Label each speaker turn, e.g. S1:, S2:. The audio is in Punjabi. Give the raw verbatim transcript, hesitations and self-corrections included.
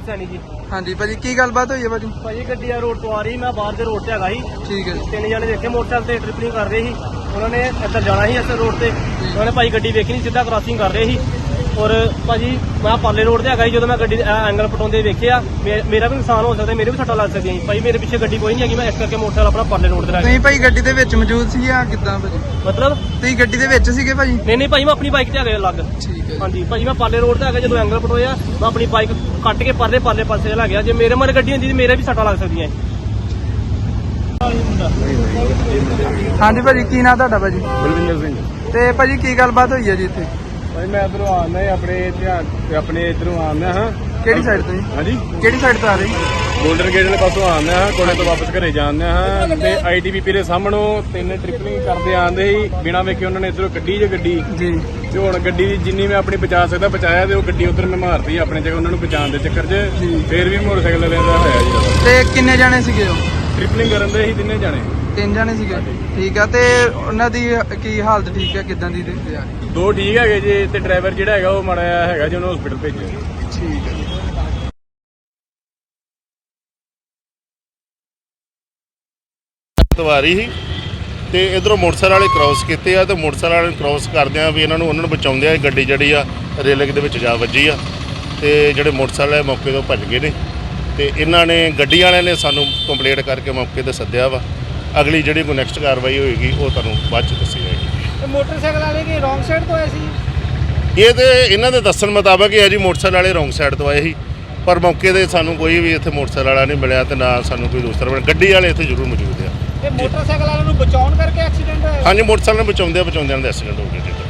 S1: सैनी जी।
S2: हाँ जी भाजी की गलबात हुई है भाजी?
S1: भाजी गड्डी रोड तो आ रही, मैं बाहर के रोड से हैगा ही।
S2: ठीक है।
S1: तीन जने देखे मोटरसाइकिल से ट्रिपलिंग कर रहे ही, उन्होंने इधर जाना ही इस रोड से, उन्होंने भाई गड्डी देखी नहीं, सीधा क्रॉसिंग कर रहे ही। और भाजी मैं पाले रोड से हैगा ही, जो मैं गड्डी एंगल पटाते देखिया, मेरा भी नुकसान हो सकता, मेरे भी सट्टा लग सकती भाई। मेरे पिछे गड्डी कोई नहीं है, मैं इस करके मोटरसाइकिल अपना पाले रोड से
S2: नहीं भाई गड्डी ਦੇ ਵਿੱਚ ਮੌਜੂਦ ਸੀ ਜਾਂ ਕਿੱਦਾਂ ਭਾਜੀ?
S1: मतलब
S2: ਤੁਸੀਂ ਗੱਡੀ ਦੇ ਵਿੱਚ ਸੀਗੇ ਭਾਜੀ?
S1: नहीं नहीं भाई मैं अपनी बाइक से हैगा अलग।
S2: ठीक है।
S1: हाँ जी भाजी मैं पाले रोड से हैगा, जो एंगल पटोया मैं अपनी बाइक कट के परले पाले पासे ला गया, जे मेरे मर गड्डी होंदी मेरे भी सट्टा लग सकती है।
S2: हाँ जी भाजी की नाम ਤੁਹਾਡਾ ਭਾਜੀ?
S3: ਬਲਵਿੰਦਰ ਸਿੰਘ।
S2: ਤੇ ਭਾਜੀ ਕੀ ਗੱਲਬਾਤ ਹੋਈ ਹੈ ਜੀ ਇੱਥੇ?
S3: ਭਾਈ ਮੈਂ ਇਧਰੋਂ ਆਉਂਦਾ ਆਪਣੇ ਧਿਆਨ ਤੇ ਆਪਣੇ ਇਧਰੋਂ ਆਉਂਦਾ ਹਾਂ।
S2: ਕਿਹੜੀ ਸਾਈਡ ਤੋਂ ਜੀ?
S3: ਹਾਂਜੀ
S2: ਕਿਹੜੀ ਸਾਈਡ ਤੋਂ ਆ ਰਹੀ?
S3: ਗੋਲਡਨ ਗੇਟ ਵਾਲੇ ਪਾਸੋਂ ਆਉਂਦਾ ਹਾਂ, ਕੋਲੇ ਤੋਂ ਵਾਪਸ ਘਰੇ ਜਾਂਦੇ ਹਾਂ ਤੇ ਆਈਟੀਬੀਪੀ ਦੇ ਸਾਹਮਣੋਂ ਤਿੰਨ ਟ੍ਰਿਪਲਿੰਗ ਕਰਦੇ ਆਉਂਦੇ ਸੀ, ਬਿਨਾਂ ਵੇਖੇ ਉਹਨਾਂ ਨੇ ਇਧਰੋਂ ਕੱਢੀ ਜੇ ਗੱਡੀ
S2: ਜੀ।
S3: ਤੇ ਹੁਣ ਗੱਡੀ ਦੀ ਜਿੰਨੀ ਮੈਂ ਆਪਣੀ ਬਚਾ ਸਕਦਾ ਬਚਾਇਆ, ਤੇ ਉਹ ਗੱਡੀ ਉਧਰ ਮੈਂ ਮਾਰਤੀ ਆਪਣੇ ਜਗ੍ਹਾ ਉਹਨਾਂ ਨੂੰ ਬਚਾਉਣ ਦੇ ਚੱਕਰ 'ਚ। ਫੇਰ ਵੀ ਮੋਟਰਸਾਈਕਲ ਵਾਲਿਆਂ ਦਾ ਹੋਇਆ ਜੀ।
S2: ਤੇ ਕਿੰਨੇ ਜਾਣੇ ਸੀਗੇ ਉਹ?
S3: ਟ੍ਰਿਪਲਿੰਗ ਕਰਨ ਦੇ ਸੀ ਤਿੰਨੇ ਜਾਣੇ।
S2: ਤਿੰਨ ਜਾਣੇ ਸੀਗੇ। ਠੀਕ ਆ। ਤੇ ਉਹਨਾਂ ਦੀ ਕੀ ਹਾਲਤ ਠੀਕ ਹੈ, ਕਿਦਾਂ ਦੀ ਦੇਖਦੇ ਆ?
S3: ਦੋ ਠੀਕ ਹੈਗੇ ਜੀ, ਤੇ ਡਰਾਈਵਰ ਜਿਹੜਾ ਹੈਗਾ ਉਹ ਮਾੜਾ ਜਿਹਾ ਹੈਗਾ ਜੀ, ਉਹਨੂੰ ਹਸਪੀਟਲ ਭੇਜਿਆ।
S2: ਠੀਕ ਹੈ।
S4: ਸਵਾਰੀ ਸੀ ਤੇ ਇਧਰੋਂ ਮੋਟਰਸਾਈਕਲ ਵਾਲੇ ਕ੍ਰਾਸ ਕੀਤੇ ਆ, ਤੇ ਮੋਟਰਸਾਈਕਲ ਵਾਲੇ ਕ੍ਰਾਸ ਕਰਦਿਆਂ ਵੀ ਇਹਨਾਂ ਨੂੰ ਉਹਨਾਂ ਨੂੰ ਬਚਾਉਂਦੇ ਆ ਗੱਡੀ ਜਿਹੜੀ ਆ ਰੇਲਿੰਗ ਦੇ ਵਿੱਚ ਜਾ ਵੱਜੀ ਆ, ਤੇ ਜਿਹੜੇ ਮੋਟਰਸਾਈਕਲ ਵਾਲੇ ਮੌਕੇ ਤੋਂ ਭੱਜ ਗਏ ਨੇ। ਤੇ ਇਹਨਾਂ ਨੇ ਗੱਡੀ ਵਾਲਿਆਂ ਨੇ ਸਾਨੂੰ ਕੰਪਲੇਂਟ ਕਰਕੇ ਮੌਕੇ ਤੇ ਸੱਦਿਆ ਵਾ। ਅਗਲੀ ਜਿਹੜੀ ਕੋਈ ਨੈਕਸਟ ਕਾਰਵਾਈ ਹੋਏਗੀ ਉਹ ਤੁਹਾਨੂੰ ਬਾਅਦ 'ਚ ਦੱਸੀ ਜਾਏਗੀ।
S1: मोटरसाइकिल वाले की रॉन्ग साइड तो ऐसी
S4: ਇਹ ਤੇ ਇਹਨਾਂ ਦੇ ਦੱਸਣ ਮੁਤਾਬਕ ਹੀ ਹੈ ਜੀ, ਮੋਟਰਸਾਈਕਲ ਵਾਲੇ ਰੋਂਗ ਸਾਈਡ ਤੋਂ ਆਏ ਸੀ, ਪਰ ਮੌਕੇ ਤੇ ਸਾਨੂੰ ਕੋਈ ਵੀ ਇੱਥੇ ਮੋਟਰਸਾਈਕਲ ਵਾਲਾ ਨਹੀਂ ਮਿਲਿਆ, ਤੇ ਨਾ ਸਾਨੂੰ ਕੋਈ ਦੂਸਰਾ ਮਿਲਿਆ। ਗੱਡੀ ਵਾਲੇ ਇੱਥੇ ਜ਼ਰੂਰ ਮੌਜੂਦ ਆ।
S1: मोटरसाइकिल वाले बचाने करके एक्सीडेंट होया?
S4: ਹਾਂਜੀ ਮੋਟਰਸਾਈਕਲ ਨੂੰ ਬਚਾਉਂਦੇ ਬਚਾਉਂਦਿਆਂ ਦਾ ਐਕਸੀਡੈਂਟ ਹੋ ਗਿਆ ਜੀ।